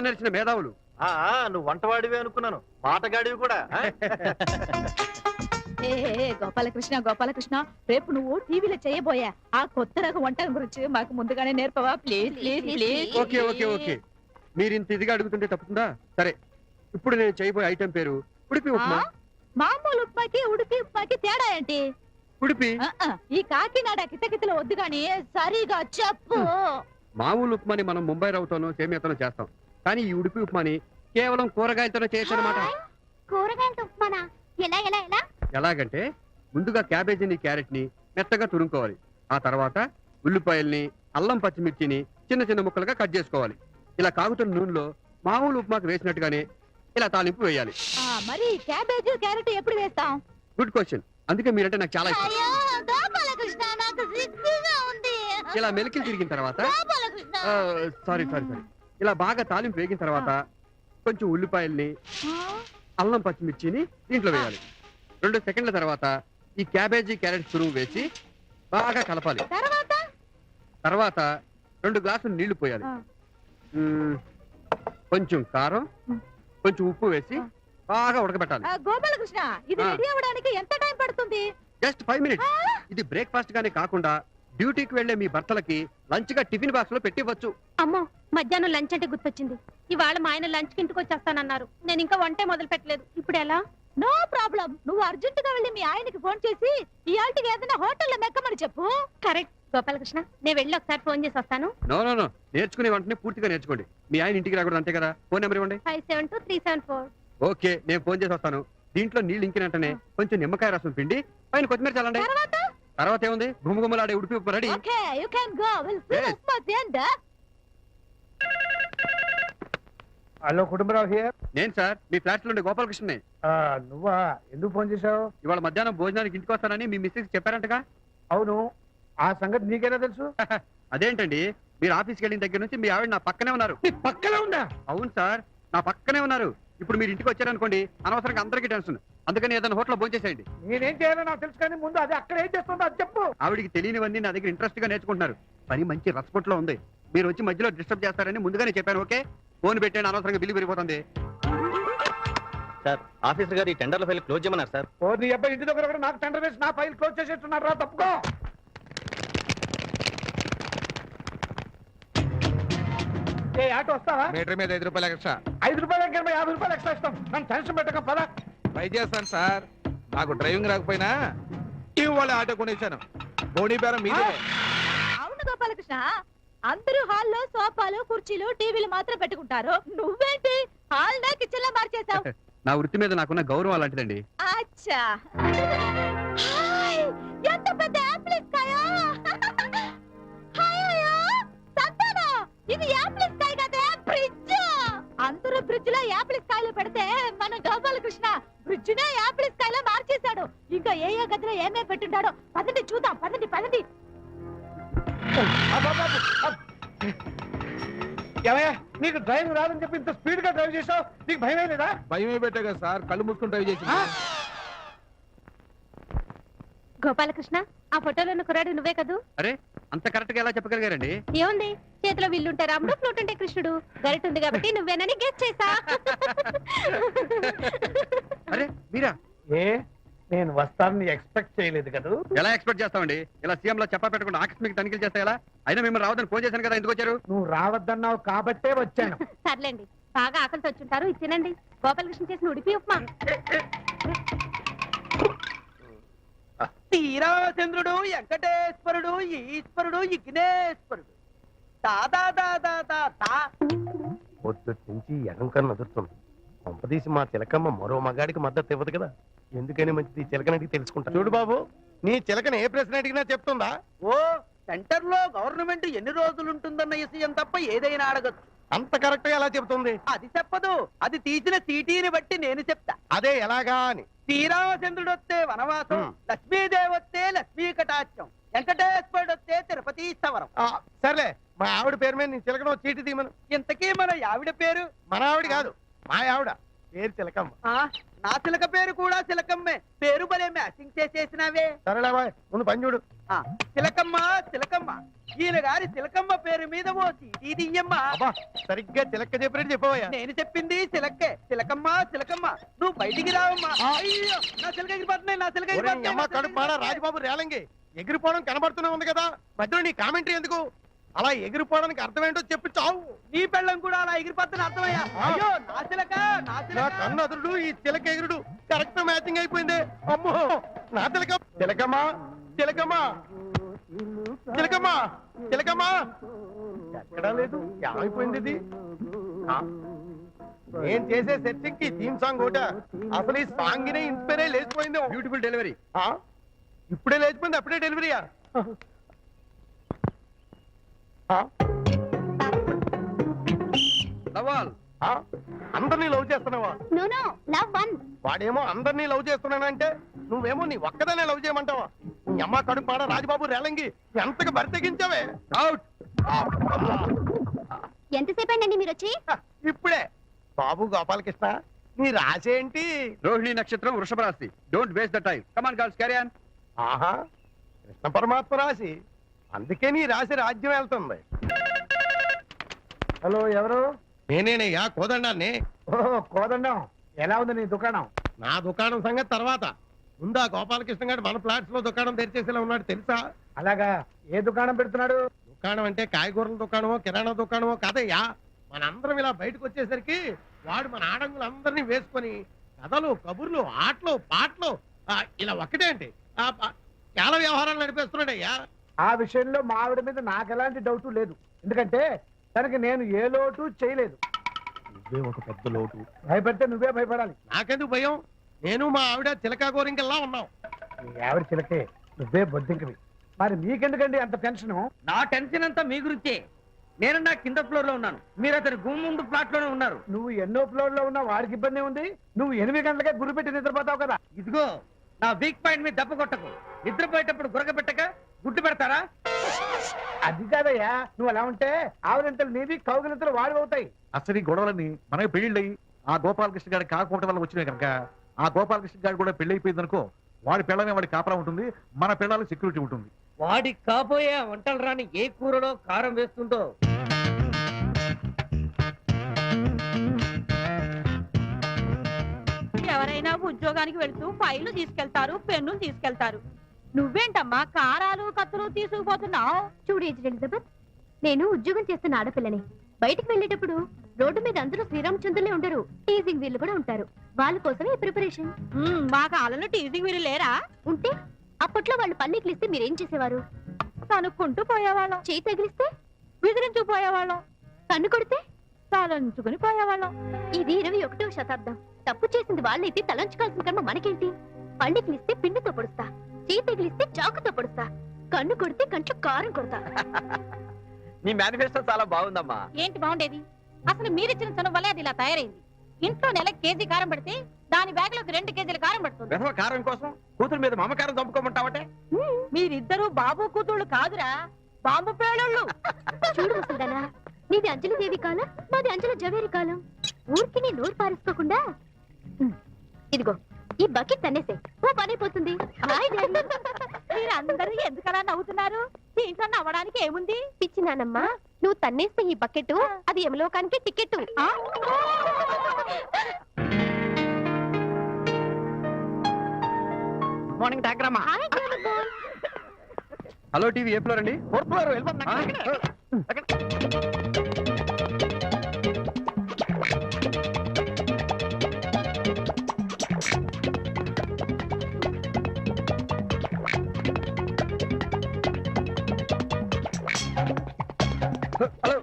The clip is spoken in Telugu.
నడిచిన మేధావులు. నువ్వు వంటవాడివి అనుకున్నాను, మాటగాడివి కూడా. గోపాలకృష్ణ గోపాలకృష్ణ, రేపు నువ్వు టీవీలో చేయబోయా ఆ కొత్త రకం వంటల గురించి మాకు ముందుగానే నేర్పవా? Please please please. Okay okay okay, మీరు ఇంత ఇదిగా అడుగుతుంటే తప్పుతుందా? సరే, ఇప్పుడు నేను చేయబోయే ఐటెం పేరు ఉడిపి ఉప్మా. మామూలు ఉప్మాకి ఉడిపి ఉప్మాకి తేడా ఏంటి? ఉడిపి ఈ కాకినాడ కితకితలు వద్దు గాని సరిగా చెప్పు. మామూలు ఉప్మాని మనం ముంబై రవ్వతోనో సేమియాతోనో చేస్తాం, కానీ ఈ ఉడిపి ఉప్మాని కేవలం కూరగాయలతోనే చేయొచ్చు అన్నమాట. కూరగాయలతో ఉప్మానా? ఎలా ఎలా ఎలా? ఎలాగంటే ముందుగా క్యాబేజీని క్యారెట్ ని మెత్తగా తురుముకోవాలి. ఆ తర్వాత ఉల్లిపాయల్ని అల్లం పచ్చిమిర్చిని చిన్న చిన్న ముక్కలుగా కట్ చేసుకోవాలి. ఇలా కాగుతున్న నూనెలో మామూలు ఉప్మాకు వేసినట్టుగానే ఇలా తాలింపు వేయాలి. మరి క్యాబేజీ క్యారెట్ ఎప్పుడు వేస్తాం? గుడ్ క్వశ్చన్, అందుకే మీరంటే నాకు చాలా ఇష్టం. ఇలా మెలికలు తిరిగిన తర్వాత సారీ సారీ సారీ ఇలా బాగా తాలింపు వేగిన తర్వాత కొంచెం ఉల్లిపాయల్ని అల్లం పచ్చిమిర్చిని దీంట్లో వేయాలి. 2 సెకండ్ల తర్వాత ఈ క్యాబేజీ క్యారెట్ తురుము వేసి బాగా కలపాలి. తర్వాత 2 గ్లాసులు నీళ్లు పోయాలి. కొంచెం కారం, కొంచెం ఉప్పు వేసి బాగా ఉడకబెట్టాలి. గోపాలకృష్ణ, ఇది రెడీ అవ్వడానికి ఎంత టైం పడుతుంది? Just 5 minutes. ఇది బ్రేక్ఫాస్ట్ గానే కాకుండా డ్యూటీకి వెళ్లే మీ భర్తలకి లంచ్ గా టిఫిన్ బాక్స్ లో పెట్టివచ్చు. అమ్మో, మధ్యాహ్నం లంచ్ అంటే గుర్తొచ్చింది. ఇవాళ మా ఆయన లంచ్ కి ఇంటికి వచ్చేస్తానన్నారు. నేను ఇంకా వంటే మొదలు పెట్టలేదు. ఇప్పుడు ఎలా? నో ప్రాబ్లం, నువ్వు అర్జెంట్ గా వెళ్ళి మీ ఆయనకి ఫోన్ చేసి ఇయాల్టికి ఏదైనా హోటల్లో మెక్కమని చెప్పు. కరెక్ట్ గోపాలకృష్ణ, నేను వెళ్ళి ఒకసారి ఫోన్ చేసి వస్తాను. నో నో నో, నేర్చుకునే వెంటనే పూర్తిగా నేర్చుకోండి. మీ ఆయన ఇంటికి రాకూడదు, అంతే కదా? ఫోన్ నెంబర్ ఇవ్వండి. 572374. ఓకే, నేను ఫోన్ చేసి వస్తాను. దీంట్లో నీళ్ళు ఇంకిన వెంటనే కొంచెం నిమ్మకాయ రసం పిండి పైన కొత్తిమీర చల్లండి. తర్వాత ఏముంది, గుమ్మగుమ్మలాడే Udupi upma ready. Okay, you can go. Will see this for the end. Hello, Kutumbarao here. నేను సార్, మీ ఫ్లాట్ లో ఉండే గోపాలకృష్ణని. నువ్వా? ఎందుకు ఫోన్ చేశావు? ఇవాళ మధ్యాహ్నం భోజనానికి ఇంటికి వస్తానని మీ మిస్సెస్ చెప్పారంటగా? అవును, ఆ సంగతి నీకేనా తెలుసు? అదేంటండి, మీరు ఆఫీస్కి వెళ్ళిన దగ్గర నుంచి మీ ఆవిడ నా పక్కనే ఉన్నారు. పక్కనే ఉందా? అవును సార్, నా పక్కనే ఉన్నారు. ఇప్పుడు మీరు ఇంటికి వచ్చారనుకోండి, అనవసరంగా అందరికీ టెన్షన్. అందుకని ఏదైనా హోటల్లో భోజనం చేసేయండి. నేనేం చేయాలో నాకు తెలుసు, కానీ ముందు అది అక్కడ ఏం చేస్తుందో అది చెప్పు. ఆవిడికి తెలియనివన్నీ నా దగ్గర ఇంట్రెస్ట్ గా నేర్చుకుంటున్నారు. పని మంచి రసపొట్లో ఉంది. మీరు వచ్చి మధ్యలో డిస్టర్బ్ చేస్తారని ముందుగానే చెప్పాను. ఓకే, ఫోన్ పెట్టండి, అనవసరంగా బిల్లు పెరిగిపోతుంది. సార్, ఆఫీసర్ గారు ఈ టెండర్ల ఫైల్ క్లోజ్ చేయమన్నారు సార్. ఓ నీ అబ్బాయి ఇంటి దగ్గర కూడా నాకు టెండర్ వేసి నా ఫైల్ క్లోజ్ చేసేస్తున్నారు రా. తప్పుకో. ఏ ఆటో వస్తావా? మీటర్ మీద 5 రూపాయలు ఎక్స్ట్రా. 5 రూపాయలు ఎక్కడ 50 రూపాయలు ఎక్స్ట్రా ఇస్తాం. నన్ను టెన్షన్ పెట్టక పద. ట్రై చేస్తాను సార్, నాకు డ్రైవింగ్ రాకపోయినా ఇవాళ ఆటో కొనేసాను. బోడీ బేరం మీదే. అవును గోపాలకృష్ణ, అందరూ హాల్లో సోఫాలు కుర్చీలు టీవీలు మాత్రం పెట్టుకుంటారు. నువ్వేంటి హాల్ దా కిచెన్ లో మార్చేసావు? నా వృత్తి మీద నాకున్న గౌరవం అలాంటిదండి. అచ్చా, హాయ్, ఎంత పెద్ద యాపిల్స్ కాయ! ఇది యాపిల్స్ కాయ కదా, బ్రిడ్జ్. అందరూ బ్రిడ్జ్ లో యాపిల్స్ కాయలు పెడితే మన గోపాలకృష్ణ బ్రిడ్జ్ నే యాపిల్స్ కాయలో మార్చేశాడు. ఇంకా ఏ గదిలో ఏమే పెట్టుంటాడో పదండి చూద్దాం. పదండి పదండి. ఏమయ్యా, నీకు డ్రైవింగ్ రాదని చెప్పి ఇంత స్పీడ్ గా డ్రైవ్ చేసావు, నీకు భయమే లేదా? భయమే పెట్టా కదా సార్, కళ్ళు మూసుకుని డ్రైవ్ చేసి. గోపాలకృష్ణ, ఆ ఫోటోలో ఉన్న కుర్రాడు నువ్వే కదూ? అరే, అంత కరెక్ట్ గా ఎలా చెప్పగలిగారండి? ఏముంది, చేతిలో విల్లుంటే రాముడు, ఫ్లూట్ ఉంటే కృష్ణుడు. గరిట ఉంది కాబట్టి నువ్వేనని గెస్ చేసా. అరే మీరా? ఏ, నేను వస్తానని ఎక్స్పెక్ట్ చేయలేదు కదా. ఎలా ఎక్స్పెక్ట్ చేస్తామండి? ఇలా సీఎం లో చెప్పా పెట్టకుండా ఆకస్మిక తనిఖీలు చేస్తా ఎలా? అయినా మిమ్మల్ని రావద్దని ఫోన్ చేశాను కదా, ఎందుకు వచ్చారు? నువ్వు రావద్దన్నావు కాబట్టే వచ్చాను. సర్లేండి, బాగా ఆకలితో వచ్చుంటారు, ఇది తినండి. గోపాలకృష్ణ చేసిన ఉడిపి ఉప్మా. శ్రీరామచంద్రుడు, వెంకటేశ్వరుడు, ఈశ్వరుడు, విఘ్నేశ్వరుడు. పొద్దుటి నుంచి ఎడంకర నదురుతుంది. పంపదీసి మా చిలకమ్మ మరో మగాడికి మద్దతు ఇవ్వదు కదా. ఎందుకని మంచిది చిలకనడికి తెలుసుకుంటా. చూడు బాబు, నీ చిలకన ఏ ప్రశ్న అడిగినా చెప్తుందా? ఓ, సెంటర్ లో గవర్నమెంట్ ఎన్ని రోజులు ఉంటుందన్న విషయం తప్ప ఏదైనా అడగచ్చు. అంత కరెక్ట్ గా ఎలా చెప్తుంది? అది చెప్పదు, అది తీసిన సీటీని బట్టి నేను చెప్తా. అదే ఎలాగా అని. శ్రీరామచంద్రుడు వస్తే వనవాసం, లక్ష్మీదేవి వస్తే లక్ష్మీ కటాక్షం, వెంకటేశ్వరుడు వస్తే తిరుపతి స్థవరం. సర్లే, మా ఆవిడ పేరు మీద నీ చిలకన చీటి తీమను. ఇంతకీ మన ఆవిడ పేరు? మన ఆవిడ కాదు, మా ఆవిడ. పేరు చిలకమ్మ. ఆ, నా చిలక పేరు కూడా చిలకమ్మే. పేరు భలే మ్యాచింగ్ చేసేసినావే. సరేలే బాయ్, ముందు పని చూడు. ఆ, చిలకమ్మ చిలకమ్మ, ఈయన గారి చిలకమ్మ పేరు మీద ఓ చీటీ దియ్యమ్మా. అబ్బా సరిగ్గా చిలక్క చెప్పినట్టు చెప్పవయ్యా. నేను చెప్పింది చిలక్కే. చిలకమ్మ చిలకమ్మ, నువ్వు బయటికి రావమ్మా. అయ్యో, నా చిలక ఎగిరిపోతున్నాయి, నా చిలక ఒరేయ్, ఎగిరిపోతున్నాయి, అమ్మ నా చిలక కడుపు మాడ రాజబాబు రేలంగి ఎగిరిపోవడం కనబడుతూనే ఉంది కదా, మధ్యలో నీ కామెంటరీ ఎందుకు? అలా ఎగిరిపోవడానికి అర్థం ఏంటో చెప్పి చావు. నీ పెళ్ళం కూడా అలా ఎగిరిపోతున్న అర్థమయ్యా. అయ్యో, నా చిలక, నా నా చిలక. కన్ను అదురుడు ఈ చిలక ఎగురుడు కరెక్ట్ మ్యాచింగ్ అయిపోయింది. అమ్మో నా చిలక. చిలకమ్మా చిలకమ్మా చిలకమ్మా చిలకమ్మా, ఎక్కడా లేదు, ఏమైపోయింది ఇది? ఆ, నేను చేసే సెట్టింగ్ కి థీమ్ సాంగ్ ఒకట. అసలు ఈ సాంగ్ నే ఇన్స్పైర్ అయ్యి లేచిపోయింది. Beautiful delivery. ఆ, ఇప్పుడే లేచిపోయింది, అప్పుడే డెలివరీయా? ఆ, లవాల్ ఆ, అందరినీ లవ్ చేస్తున్నావా? No no love one. వాడేమో అందరినీ లవ్ చేస్తున్నానంటే నువ్వేమో నీ ఒక్కదానే లవ్ చేయమంటావా? నీ అమ్మ కడుపు మాడ రాజబాబు రేలంగి ఎంతగా బరి తెగించావే. అవుట్. ఎంతసేపు అండి మీరు వచ్చి? ఇప్పుడే. బాబు గోపాలకృష్ణ, నీ రాసేంటి? రోహిణి నక్షత్రం, వృషభ రాశి. Don't waste the time. Come on girls, carry on. ఆహా, కృష్ణ పరమాత్మ రాశి, అందుకే నీ రాశి రాజ్యం వెళ్తుంది. హలో, ఎవరు? నేనేనయ్యా కోదండాన్ని. ఓహో, కోదండం. ఎలా ఉంది నీ దుకాణం? నా దుకాణం సంగతి తర్వాత, ముందా గోపాలకృష్ణ గారు మన ఫ్లాట్స్ లో దుకాణం తెరిచేసేలా ఉన్నాడు తెలుసా? అలాగా, ఏ దుకాణం పెడుతున్నాడు? దుకాణం అంటే కాయగూరల దుకాణమో కిరాణా దుకాణమో కాదయ్యా. మనందరం ఇలా బయటకు వచ్చేసరికి వాడు మన ఆడంగులందరినీ వేసుకొని కథలు, కబుర్లు, ఆటలు, పాటలు, ఇలా ఒక్కటే అంటే చాలా వ్యవహారాలు నడిపేస్తున్నాడయ్యా. ఆ విషయంలో మా ఆవిడ మీద నాకు ఎలాంటి డౌట్ లేదు. ఎందుకంటే తనకి నేను ఏ లోటు చేయలేదు. నువ్వే ఒక పెద్ద లోటు. భయపడితే నువ్వే భయపడాలి. నాకెందుకు భయం? నేను మా ఆవిడ చిలకా గోరింకల్లా ఉన్నాం. నీ ఆవిడ చిలకే, నువ్వే బొద్దింకవి. మరి మీకెందుకండి అంత టెన్షన్? నా టెన్షన్ అంతా మీ గురించే. నేను నా కింద ఫ్లోర్ లో ఉన్నాను, మీరు అతని గుమ్మ ముందు ఫ్లాట్ లోనే ఉన్నారు. నువ్వు ఎన్నో ఫ్లోర్ లో ఉన్నా వాడికి ఇబ్బంది ఉంది. నువ్వు 8 గంటలకే గురి పెట్టి నిద్రపోతావు కదా. ఇదిగో, నా వీక్ పాయింట్ మీద దెబ్బ కొట్టకు. నిద్రపోయేటప్పుడు గురక పెట్టక గుడ్డు పెడతారా? అది కాదయ్యా, నువ్వు అలా ఉంటే ఆవిడంతలు నీవి, కౌగిలింతలు వాడి అవుతాయి. అసలు ఈ గొడవలన్నీ మనకి పెళ్లి ఆ గోపాలకృష్ణ గారి కాకపోవడం వల్ల వచ్చినాయి కనుక, ఆ గోపాలకృష్ణ గారి కూడా పెళ్లి అయిపోయింది అనుకో, వాడి పిల్లమే వాడి కాపలా ఉంటుంది, మన పిల్లలకు సెక్యూరిటీ ఉంటుంది. వాడి కాబోయే వంటలు రాని ఏ కూరలో కారం వేస్తుందో. ఎవరైనా ఉద్యోగానికి వెళ్తూ ఫైళ్లు తీసుకెళ్తారు, పెన్నులు తీసుకెళ్తారు. నువ్వేంటమ్మా కారాలు కత్తులు తీసుకుపోతున్నావు? చూడు ఎలిజబెత్, నేను ఉద్యోగం చేస్తున్న ఆడపిల్లని. బయటికి వెళ్ళేటప్పుడు రోడ్డు మీద అందరూ శ్రీరామచంద్రులే ఉండరు, టీజింగ్ వీళ్ళు కూడా ఉంటారు. వాళ్ళ కోసమే ఈ ప్రిపరేషన్. మా కాలంలో టీజింగ్ వీరు లేరా? ఉంటే అప్పట్లో వాళ్ళు పన్నీకులు ఇస్తే మీరేం చేసేవారు? కనుక్కుంటూ పోయేవాళ్ళం. చేయి తగిలిస్తే విదిరించు పోయేవాళ్ళం. కన్ను కొడితే తలంచుకుని పోయేవాళ్ళం. ఇది 21వ శతాబ్దం. తప్పు చేసింది వాళ్ళైతే తలంచుకోవాల్సిన కర్మ మనకేంటి? పన్నీకులు ఇస్తే పిండితో పొడుస్తా, చేయి తగిలిస్తే చాకుతో పొడుస్తా, కన్ను కొడితే కంట్లో కారం కొడతా. నీ మేనిఫెస్టో చాలా బాగుందమ్మా. ఏంటి బాగుండేది? అసలు మీరిచ్చిన చనువు వల్లే అది ఇలా తయారైంది. ఇంట్లో నెలకు కేజీ కారం పడితే దాని బ్యాగ్ లోకి 2 కేజీల కారం పడుతుంది. వెధవ కారం కోసం కూతురు మీద మమకారం చంపుకోమంటావటే? మీరిద్దరూ బాబు కూతుళ్ళు కాదురా, బాంబు పేలుళ్ళు. చూడు ముసల్దానా, నీది అంజలిదేవి కాలం, మాది అంజల జవేరి కాలం. ఊరికి నీ నోరు పారేసుకోకుండా ఇదిగో ఈ బకెట్ తన్నేసే, ఓ పనైపోతుంది. Hi daddy. మీరందరూ ఎందుకలా నవ్వుతున్నారు? దీంట్లో నవ్వడానికి ఏముంది? పిచ్చి నానమ్మా, నువ్వు తన్నేస్తే ఈ బకెట్ అది యమలోకానికి టికెట్. మార్నింగ్ డాక్టరమ్మా. హలో టీవీ ఏ ఫ్లోర్ అండి? 4th ఫ్లోర్ వెళ్ళిపోతున్నా. హలో